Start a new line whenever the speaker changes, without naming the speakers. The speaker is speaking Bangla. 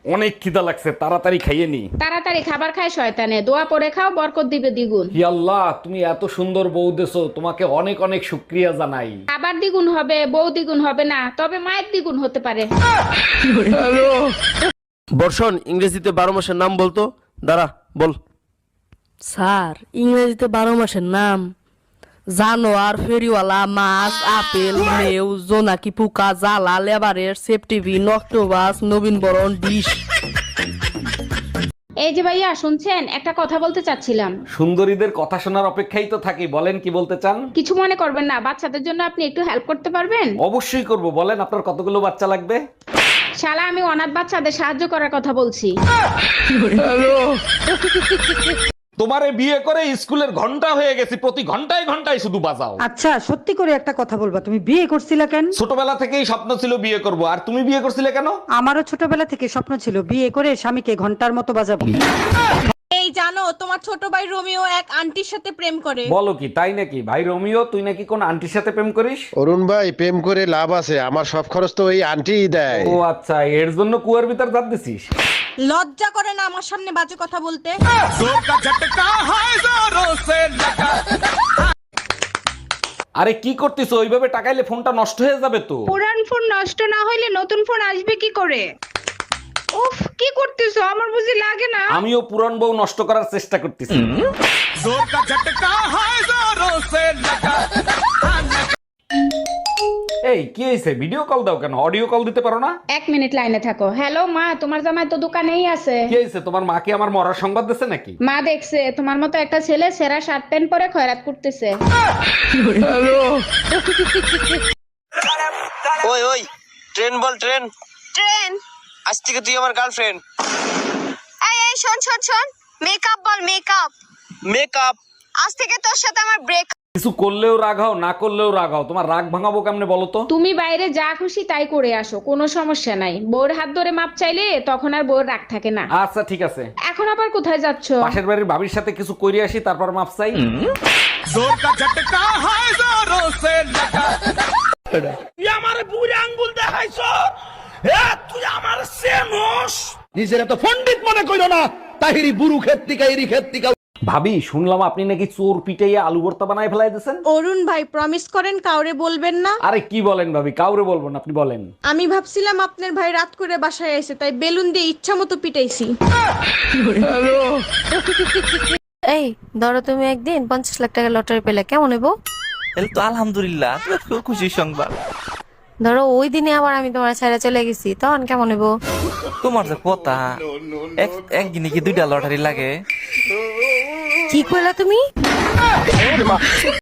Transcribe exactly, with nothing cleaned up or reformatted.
অনেক খিদা লাগছে, তাড়াতাড়ি খাইয়ে নি।
তাড়াতাড়ি খাবার খায় শয়তানে, দোয়া পড়ে খাও, বরকত দিবে দ্বিগুণ।
হি আল্লাহ, তুমি এত সুন্দর বউ দেছো, তোমাকে অনেক অনেক শুকরিয়া জানাই।
খাবার দ্বিগুণ হবে, বউ দ্বিগুণ হবে না, তবে মায়ের দ্বিগুণ হতে পারে।
বর্ষণ, ইংরেজিতে বারো মাসের নাম বলতো। দাঁড়া, বল।
স্যার, ইংরেজিতে বারো মাসের নাম জানোয়ার, ফেরিওয়ালা, মাছ, আপেল, মেউ, জোনাকি পোকা, জ্বালা, লেবারের, সেপটিভিন, অক্টোবাস, নবীন বরণ, ডিশ।
এই যে ভাইয়া শুনছেন, একটা কথা বলতে চাচ্ছিলাম।
সুন্দরীদের কথা শোনার অপেক্ষাই তো থাকি, বলেন কি বলতে চান।
কিছু মনে করবেন না, বাচ্চাদের জন্য আপনি একটু হেল্প করতে পারবেন?
অবশ্যই করব, বলেন আপনার কতগুলো বাচ্চা লাগবে।
শালা, আমি অনাথ বাচ্চাদের সাহায্য করার কথা বলছি।
তোমারে বিয়ে করে স্কুলের ঘন্টা হয়ে গেছি, প্রতি ঘন্টায় ঘন্টায় শুধু বাজাও।
আচ্ছা, সত্যি করে একটা কথা বলবা, তুমি বিয়ে করছিলা কেন?
ছোটবেলা থেকেই স্বপ্ন ছিল বিয়ে করব, আর তুমি বিয়ে করছিলে কেন?
আমারও ছোটবেলা থেকে স্বপ্ন ছিল বিয়ে করে স্বামীকে ঘন্টার মতো বাজাবো।
এই জানো, তোমার ছোট ভাই রোমিও এক আন্টির সাথে প্রেম করে।
বলো কি, তাই নাকি? ভাই রোমিও, তুই নাকি কোন আন্টির সাথে প্রেম করিস?
অরুণ ভাই, প্রেম করে লাভ আছে? আমার সব খরচ তো ওই আন্টিই দেয়।
ও আচ্ছা, এর জন্য কুয়ার ভিতর জাত দিছিস।
লজ্জা করে না আমার সামনে বাজে কথা বলতে?
আরে কি করতেছো? ওইভাবে টাকাইলে ফোনটা নষ্ট হয়ে যাবে তো।
পুরান ফোন নষ্ট না হইলে নতুন ফোন আসবে কি করে? উফ, কি করতেছো? আমার বুঝি লাগে না।
আমিও পুরান বউ নষ্ট করার চেষ্টা করতেছি। এই কি হয়েছে? ভিডিও কল দাও কেন? অডিও কল দিতে পারো না?
এক মিনিট লাইনে থাকো। হ্যালো মা, তোমার জামাই তো দোকানেই আছে।
কি হয়েছে? তোমার মাকে আমার মরার সংবাদ দিছে নাকি?
মা দেখছে তোমার মতো একটা ছেলে সেরা শার্ট প্যান্ট পরে খয়রাত করতেছে।
ওই ওই, ট্রেন বল, ট্রেন।
ট্রেন?
আজ থেকে তুই আমার গার্লফ্রেন্ড।
এই এই শোন শোন শোন, মেকআপ বল, মেকআপ।
মেকআপ?
আজ থেকে তোর সাথে আমার ব্রেক।
কিছু করলেও রাগ হও, না করলেও রাগ হও। তোমার রাগ ভাঙাবো কেমনে বলো তো?
তুমি বাইরে যা খুশি তাই করে আসো, কোনো সমস্যা নাই। বউর হাত ধরে মাপ চাইলে তখন আর বউর রাগ থাকে না।
আচ্ছা ঠিক আছে।
এখন আবার কোথায় যাচ্ছ?
পাশের বাড়ির ভাবির সাথে কিছু কইরে আসি, তারপর মাপ চাই।
নিজের এত পণ্ডিত মনে কইরো না। তাহিরি বুরু ক্ষেত্রিকা এরি ক্ষেত্রিকা।
ভাবি, শুনলাম আপনি নাকি চোর পিটাইয়া আলু ভর্তা বানায় ফেলাই দিয়েছেন।
অরুণ ভাই, প্রমিস করেন কাউরে বলবেন না।
আরে কি বলেন ভাবি, কাউরে বলবো না, আপনি বলেন।
আমি ভাবছিলাম আপনার ভাই রাত করে বাসায় এসে, তাই বেলুন দিয়ে ইচ্ছা মতো পিটাইছি।
এই ধরো, তুমি একদিন পঞ্চাশ লাখ টাকা লটারি পেলে, কেমন হইব?
তাহলে তো আলহামদুলিল্লাহ, খুব খুশির সংবাদ।
ধরো ওই দিনে আবার আমি তোমার ছেড়ে চলে গেছি, তখন কেমন হইব?
তোমার যে কথা, এক- একদিনে কি দুইটা লটারি লাগে?
কি কইলা তুমি?